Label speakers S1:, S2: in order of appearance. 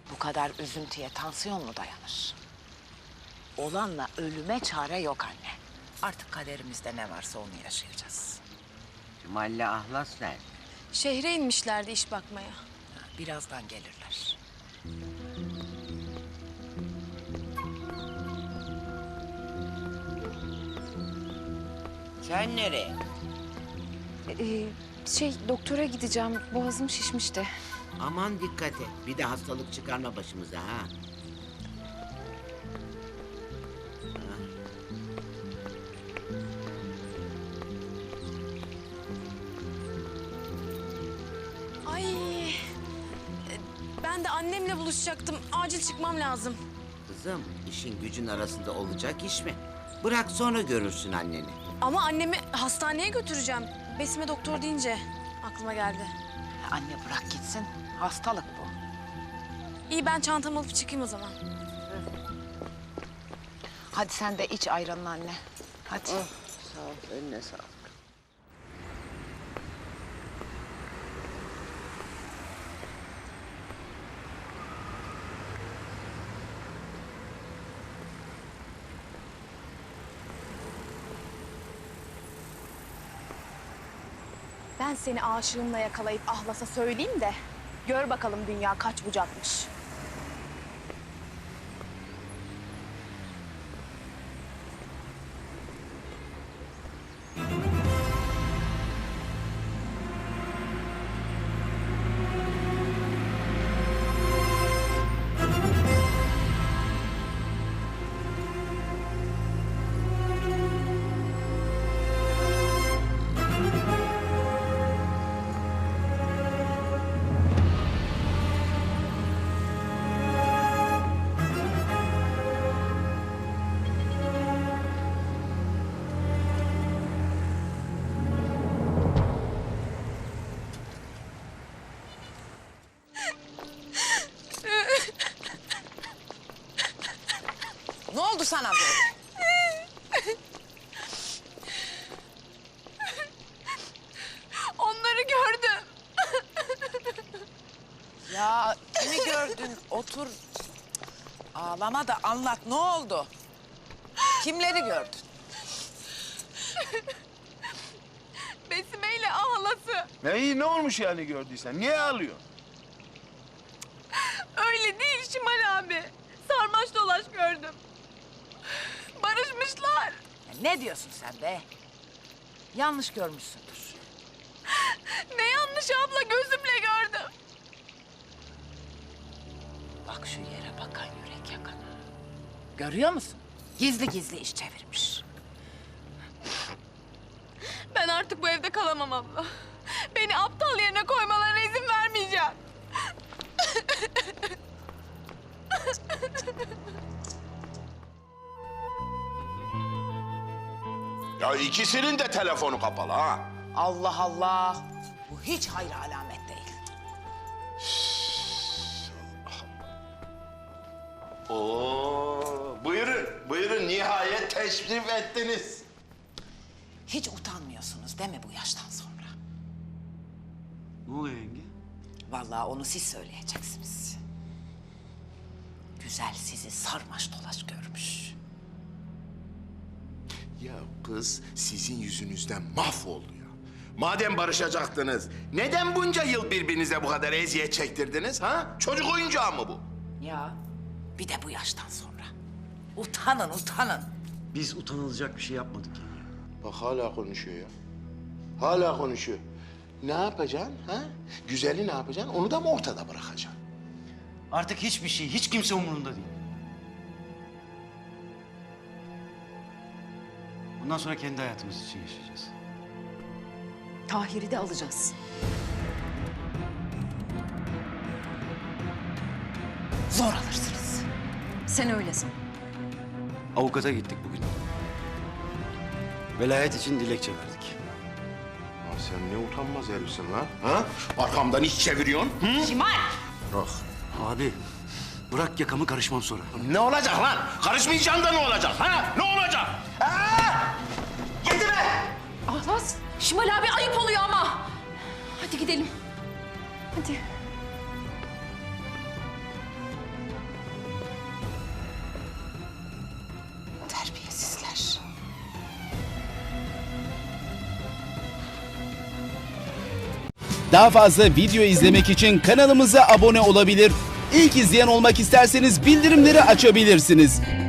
S1: Bu kadar üzüntüye tansiyon mu dayanır? Olanla ölüme çare yok anne. Artık kaderimizde ne varsa onu yaşayacağız.
S2: Cemal'le Ahlas nerede?
S3: Şehre inmişlerdi iş bakmaya.
S1: Birazdan gelirler.
S2: Sen nereye?
S3: Doktora gideceğim. Boğazım şişmişti.
S2: Aman dikkat et. Bir de hastalık çıkarma başımıza ha.
S3: Ay, ben de annemle buluşacaktım. Acil çıkmam lazım.
S2: Kızım, işin gücün arasında olacak iş mi? Bırak sonra görürsün anneni.
S3: Ama annemi hastaneye götüreceğim. Besime doktor deyince aklıma geldi.
S1: Anne bırak gitsin. Hastalık bu.
S3: İyi, ben çantamı alıp çıkayım o zaman.
S1: Hadi sen de iç ayranını anne. Hadi.
S2: Sağ ol, önüne sağlık.
S3: Ben seni aşığımla yakalayıp Ahlas'a söyleyeyim de gör bakalım dünya kaç bucakmış.
S1: Ne oldu sana böyle?
S3: Onları gördüm.
S1: Ya kimi gördün? Otur. Ağlama da anlat. Ne oldu? Kimleri gördün?
S3: Besime ile Ahlas'ı.
S4: Ne olmuş yani gördüysen? Niye ağlıyorsun?
S3: Öyle değil Şimal abi. Sarmaş dolaş gördüm. Barışmışlar.
S1: Ya ne diyorsun sen be? Yanlış görmüşsündür.
S3: Ne yanlış abla, gözümle gördüm.
S1: Bak şu yere bakan yürek yakanı. Görüyor musun? Gizli gizli iş çevirmiş.
S3: Ben artık bu evde kalamam abla. Beni aptal yerine koymalarına izin vermeyeceğim.
S4: Ya ikisinin de telefonu kapalı ha.
S1: Allah Allah. Bu hiç hayır alamet değil.
S4: Oo, buyurun nihayet teşrif ettiniz.
S1: Hiç utanmıyorsunuz değil mi bu yaştan sonra?
S5: Ne oluyor yenge?
S1: Vallahi onu siz söyleyeceksiniz. Güzel sizi sarmaş dolaş görmüş.
S4: Ya kız sizin yüzünüzden mahvoldu ya. Madem barışacaktınız, neden bunca yıl birbirinize bu kadar eziyet çektirdiniz ha? Çocuk oyuncağı mı bu?
S1: Ya bir de bu yaştan sonra. Utanın, utanın.
S5: Biz utanılacak bir şey yapmadık yenge.
S4: Bak hala konuşuyor ya. Hala konuşuyor. Ne yapacaksın ha? Güzeli ne yapacaksın? Onu da mı ortada bırakacaksın?
S5: Artık hiçbir şey, hiç kimse umurunda değil. Bundan sonra kendi hayatımız için yaşayacağız.
S6: Tahir'i de alacağız.
S1: Zor alırsınız.
S6: Sen öylesin.
S5: Avukata gittik bugün. Velayet için dilekçe verdik.
S4: Ya sen ne utanmaz herifsin lan, ha? Arkamdan iş çeviriyorsun, hı?
S1: Şimal!
S4: Bırak.
S5: Abi, bırak yakamı, karışmam sonra.
S4: Ne olacak lan? Karışmayacaksın da ne olacak, ha? Ne olacak? Ha? Yetti be!
S6: Ahlas, Şimal abi ayıp oluyor ama. Hadi gidelim. Hadi.
S7: Daha fazla video izlemek için kanalımıza abone olabilir. İlk izleyen olmak isterseniz bildirimleri açabilirsiniz.